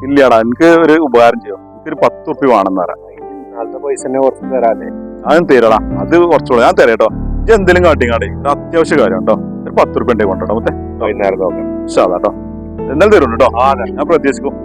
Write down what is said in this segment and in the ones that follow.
ഇല്ലടാ, എനിക്ക് ഒരു ഉപകാരം ചെയ്യോ, എനിക്കൊരു 10 ഉറുപ്പ്യ വേണമെന്ന് പറയാം. നാളത്തെ പൈസ തന്നെ കുറച്ച് തരാല്ലേ? അതും തരാടാ, അത് കുറച്ചുകൂടെ ഞാൻ തരാം കേട്ടോ. ഇത് എന്തെങ്കിലും കാട്ടിങ്ങാടേ, ഇത് അത്യാവശ്യ കാര്യം കേട്ടോ. ഒരു 10 ഉറുപ്പ്യ ഉണ്ടെങ്കിൽ കൊണ്ടോ മൊത്തം വൈകുന്നേരം നോക്കാം. കേട്ടോ. എന്തായാലും തരുള്ളൂ കേട്ടോ. ഞാൻ പ്രതീക്ഷിക്കും.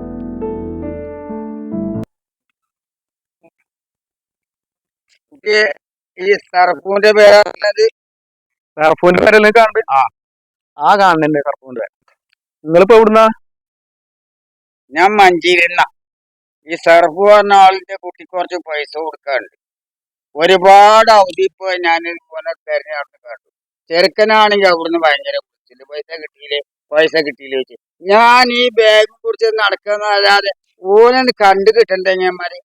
ഈ സർഫൂന്റെ പേരാണത്. സർഫൂന്റെ പേരല്ലേ കാണുന്നത്? കാണുന്നുണ്ട് സർഫൂന്റെ പേര്. നിങ്ങളിപ്പോ എവിടുന്നാ? ഞാൻ മഞ്ചേരിന്ന. ഈ സർഫ് പറഞ്ഞ ആളിന്റെ കുട്ടിക്ക് കുറച്ച് പൈസ കൊടുക്കാറുണ്ട്. ഒരുപാട് അവധി ഇപ്പൊ ഞാൻ ഇതുപോലെ തെരഞ്ഞെടുത്ത് കണ്ടു. ചെറുക്കനാണെങ്കിൽ അവിടുന്ന് ഭയങ്കര പൈസ കിട്ടിയില്ലേ വെച്ച് ഞാൻ ഈ ബാഗ് കുറിച്ച് നടക്കുന്നതല്ലാതെ ഓനെ കണ്ടു കിട്ടണ്ടേ ഞന്മാര്.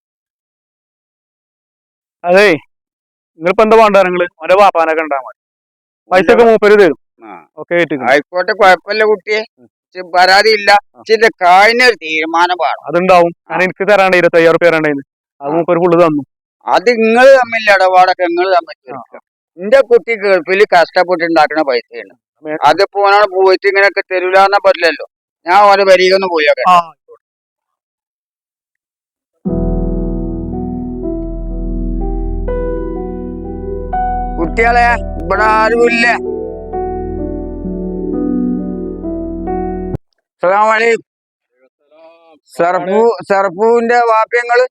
അതെ, നിങ്ങളിപ്പോ എന്താ വേണ്ട? നിങ്ങള് ഓരോ വാപ്പാനൊക്കെ ഉണ്ടാ മതി, പൈസ ഒക്കെ മൂപ്പര് തരും. ആയിക്കോട്ടെ, കുഴപ്പമില്ല കുട്ടിയെ, പരാതി ഇല്ല. ഇതിന്റെ കായിനൊരു തീരുമാനം വേണം. അതുണ്ടാവും. ഞാൻ എനിക്ക് തരാണ്ട് 25,000 ഉറുപ്പ്യ തരാണ്ടായിരുന്നു. അത് മൂപ്പര് ഫുള്ള് തന്നു. അത് നിങ്ങൾ തമ്മിൽ ഇടപാടൊക്കെ നിങ്ങൾ തമ്മിൽ തീർക്കാം. എന്റെ കുട്ടി ഗൾഫിൽ കഷ്ടപ്പെട്ടുണ്ടാക്കുന്ന പൈസയാണ്. അതിപ്പോ ഓനാണ് പോയിട്ട് ഇങ്ങനെയൊക്കെ തരൂലെന്നാ പറ്റില്ലല്ലോ. ഞാൻ ഓരോ വരികൊന്ന് പോയൊക്കെ. കുട്ടികളെ ഇവിടെ ആരുമില്ല. അസ്സലാമലൈക്കും. സർഫൂന്റെ വാപ്യങ്ങള്?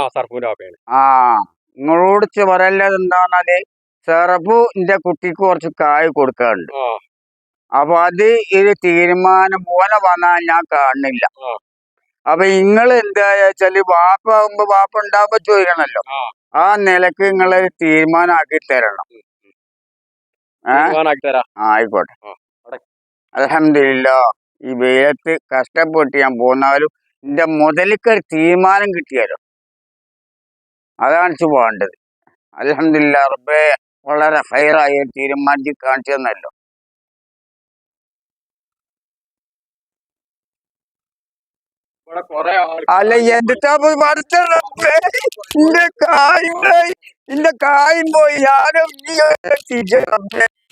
നിങ്ങളോട് പറയല്ലത് എന്താന്നാല്, സെറഫു എന്റെ കുട്ടിക്ക് കുറച്ച് കായ് കൊടുക്കാറുണ്ട്. അപ്പൊ അത് ഒരു തീരുമാനം പോലെ വന്നാൽ ഞാൻ കാണുന്നില്ല. അപ്പൊ നിങ്ങൾ എന്താ വെച്ചാല് വാപ്പ ആകുമ്പോ വാപ്പ ഉണ്ടാവുമ്പോ ചോദിക്കണല്ലോ. ആ നിലക്ക് നിങ്ങളൊരു തീരുമാനമാക്കി തരണം. ആയിക്കോട്ടെ. അൽഹംദുലില്ലാ, ഈ വെയിലത്ത് കഷ്ടപ്പെട്ട് ഞാൻ പോന്നാലും എന്റെ മുതലിക്കൊരു തീരുമാനം കിട്ടിയാലോ, അതാണ് വേണ്ടത്. അൽഹംദുലില്ലാ, റബ്ബേ വളരെ ഹൈറായ തീരുമാനിച്ച് കാണിച്ചു തന്നല്ലോ. അല്ല എന്താ ഇന്റെ കായും പോയി. ഞാനും